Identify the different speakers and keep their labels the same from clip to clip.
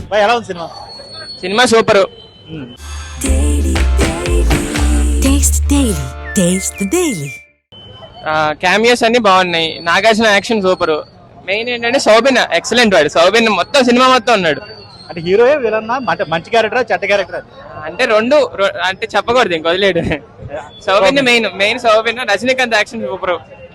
Speaker 1: Bye ఎలా ఉంది cinema?
Speaker 2: Cinema super. Cameos అన్ని బాగున్నాయి. Nagarjuna action super. మెయిన్ ఏంటంటే సౌబిన్ ఎక్సలెంట్. వాడు సౌబిన్ మొత్తం సినిమా మొత్తం ఉన్నాడు.
Speaker 1: అంటే హీరోయే విలన్నా అంటే మంచి క్యారెక్టరా చెడ్డ క్యారెక్టర్?
Speaker 2: అంటే రెండు అంటే చెప్పకూడదు ఇంక వదిలేడు. Soubin main Soubin. Rajinikanth action super.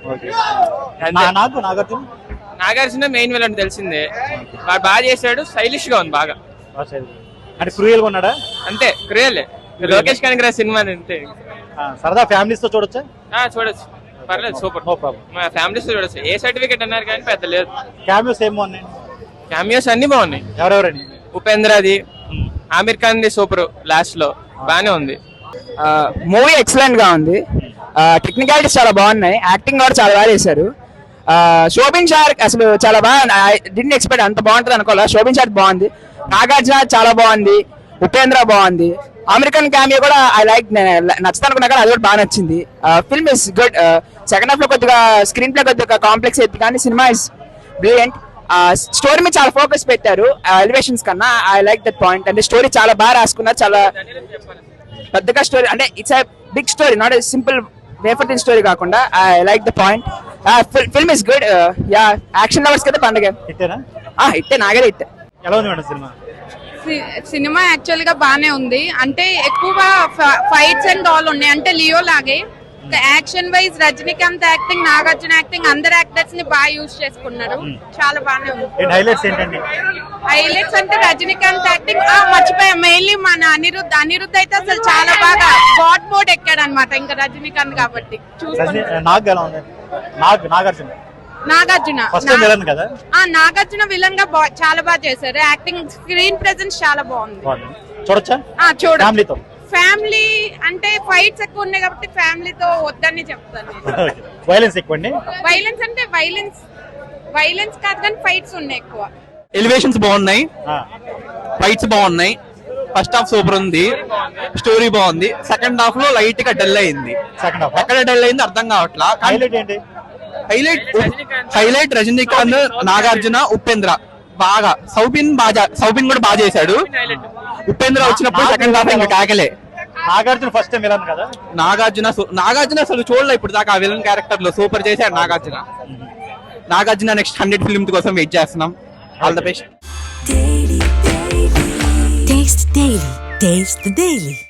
Speaker 2: Nagarjuna main villain తెలిసిందే. వాడు బాగా చేశాడు. స్టైలిష్ గా ఉంది బాగా.
Speaker 1: అంటే క్రూయల్ గా ఉన్నాడా?
Speaker 2: అంతే క్రూయల్. లోకేష్ కనగరాజ్ సినిమా అంతే.
Speaker 1: సరదా ఫ్యామిలీస్ తో చూడొచ్చా?
Speaker 2: చూడొచ్చు, పర్లేదు సూపర్.
Speaker 1: No problem.
Speaker 2: మా ఫ్యామిలీస్ తో చూడొచ్చు. ఏ సర్టిఫికేట్ అన్నారు కానీ పెద్ద లేదు.
Speaker 1: క్యామియోస్ ఏమో ఉన్నాయి.
Speaker 2: క్యామియోస్ అన్ని బాగున్నాయి.
Speaker 1: ఎవరెవరండి?
Speaker 2: ఉపేంద్రది, ఆమిర్ ఖాన్ ది సూపర్. లాస్ట్ లో బానే ఉంది.
Speaker 3: మూవీ ఎక్సలెంట్ గా ఉంది. టెక్నికాలిటీస్ చాలా బాగున్నాయి. యాక్టింగ్ కూడా చాలా బాగా చేశారు. శోభిన్ షార్ అసలు చాలా బాగా డిడ్ంట్ ఎక్స్పెక్ట్ అంత బాగుంటుంది అనుకోలే. శోభిన్ షార్ బాగుంది. నాగార్జున చాలా బాగుంది. ఉపేంద్ర బాగుంది. అమెరికన్ క్యామియో కూడా ఐ లైక్. నచ్చుతా అనుకున్నా కానీ అది కూడా బాగా నచ్చింది. Film is good. Second half లో కొద్దిగా స్క్రీన్ ప్లే కొద్దిగా కాంప్లెక్స్ అయితే కానీ సినిమా ఇస్ బ్రిలియంట్. స్టోరీ మీద చాలా ఫోకస్ పెట్టారు ఎలివేషన్స్ కన్నా. I like that point. అంటే స్టోరీ చాలా బాగా రాసుకున్నారు. చాలా పెద్దగా స్టోరీ అంటే it's big story, not simple wafer thin story కాకుండా I like the point. Film is good. యా యాక్షన్ లవర్స్ కదా పండుగ. ఇట్టే నాగరే ఇట్టే.
Speaker 1: ఎలా ఉంది మేడం సినిమా?
Speaker 4: సినిమా యాక్చువల్ గా బానే ఉంది. అంటే ఎక్కువ ఫైట్స్ అండ్ ఆల్ ఉన్నాయి. అంటే లియో లాగే action wise Rajinikanth acting, Nagarjuna acting, అందరు యాక్టర్స్ ని బాగా యూజ్ చేసుకున్నారు. చాలా బాగానే ఉంది.
Speaker 1: హైలైట్స్ ఏంటండి?
Speaker 4: హైలైట్స్ అంటే రజనీకాంత్ యాక్టింగ్ మర్చిపోయా. మెయిన్లీ మన అనిరుద్ధ్ అయితే అసలు చాలా బాగా గాడ్ మోడ్ ఎక్కాడు అనమాట. ఇంకా రజనీకాంత్ కాబట్టి నాగార్జున విలన్ గా చాలా బాగా చేశారు. యాక్టింగ్, స్క్రీన్ ప్రెజెన్స్ చాలా బాగుంది. చూడండి. ఫ్యామిలీ అంటే ఫైట్స్ ఎక్కువ ఉన్నాయి కాబట్టి ఫ్యామిలీతో వద్దని చెప్తాను.
Speaker 1: వైలెన్స్ ఎక్కువ.
Speaker 4: వైలెన్స్ అంటే వైలెన్స్ కాదు కానీ ఫైట్స్ ఉన్నాయి ఎక్కువ.
Speaker 5: ఎలివేషన్స్ బాగున్నాయి. ఫైట్స్ బాగున్నాయి. ఫస్ట్ హాఫ్ సూపర్ ఉంది. స్టోరీ బాగుంది. సెకండ్ హాఫ్ లో లైట్ గా డల్ అయింది. ఎక్కడ డల్ అయింది అర్థం కావట్లా. హైలైట్ రజనీకాంత్, నాగార్జున, ఉపేంద్ర బాగా. సౌబిన్ కూడా బాగా చేశాడు. ఉపేంద్ర వచ్చినప్పుడు సెకండ్ హాఫ్ ఇంకా కాకలే.
Speaker 1: నాగార్జున ఫస్ట్ టైం విలన్ కదా.
Speaker 5: నాగార్జున అసలు చూడలే ఇప్పుడు దాకా. ఆ విలన్ క్యారెక్టర్ లో సూపర్ చేశాడు నాగార్జున. నెక్స్ట్ 100 ఫిల్మ్ కోసం వెయిట్ చేస్తున్నాం. All the best.
Speaker 6: Taste the Daily.